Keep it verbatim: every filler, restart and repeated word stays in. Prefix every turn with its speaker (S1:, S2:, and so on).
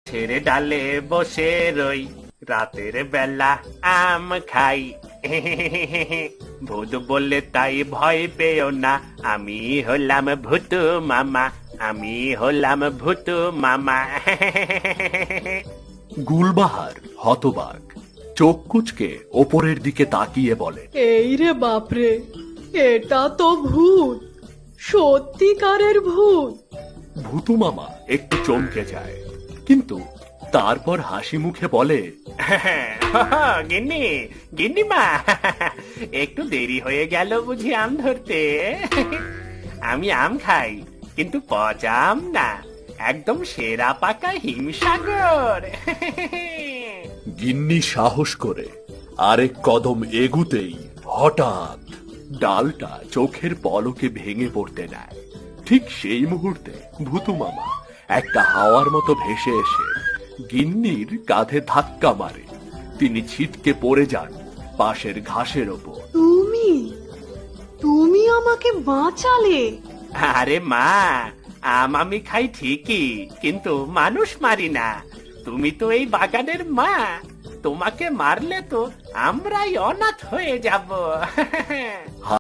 S1: গাছের ডালে বসে রই, রাতের বেলা আম খাই। ভূত বললে তাই ভয় পেও না, আমি হলাম ভূতু মামা, আমি হলাম ভূতু মামা।
S2: গুলবাহার হতবাক, চোখ কুচকে ওপরের দিকে তাকিয়ে বলে,
S3: এই রে বাপরে, এটা তো ভূত, সত্যিকারের ভূত।
S2: ভূতু মামা একটু চমকে যায়, কিন্তু তারপর হাসি মুখে বলে,
S1: গিন্নি, গিন্নিমা, একটু দেরি হয়ে গেল বুঝি আম ধরতে। আমি আম খাই, কিন্তু পচা আম না, একদম সেরা পাকা হিমসাগর।
S2: গিন্নি সাহস করে আরেক কদম এগুতেই হঠাৎ ডালটা চোখের পলকে ভেঙে পড়তে নেয়। ঠিক সেই মুহূর্তে ভূতু মামা একটা হাওয়ার মতো ভেসে এসে গিন্নির কাঁধে ধাক্কা মারে। তিনি ছিটকে পড়ে যান পাশের ঘাসের ওপর।
S3: তুমি তুমি আমাকে বাঁচালে।
S1: আরে মা, আম আমি খাই ঠিকই, কিন্তু মানুষ মারি না। তুমি তো এই বাগানের মা, তোমাকে মারলে তো আমরাই অনাথ হয়ে যাব।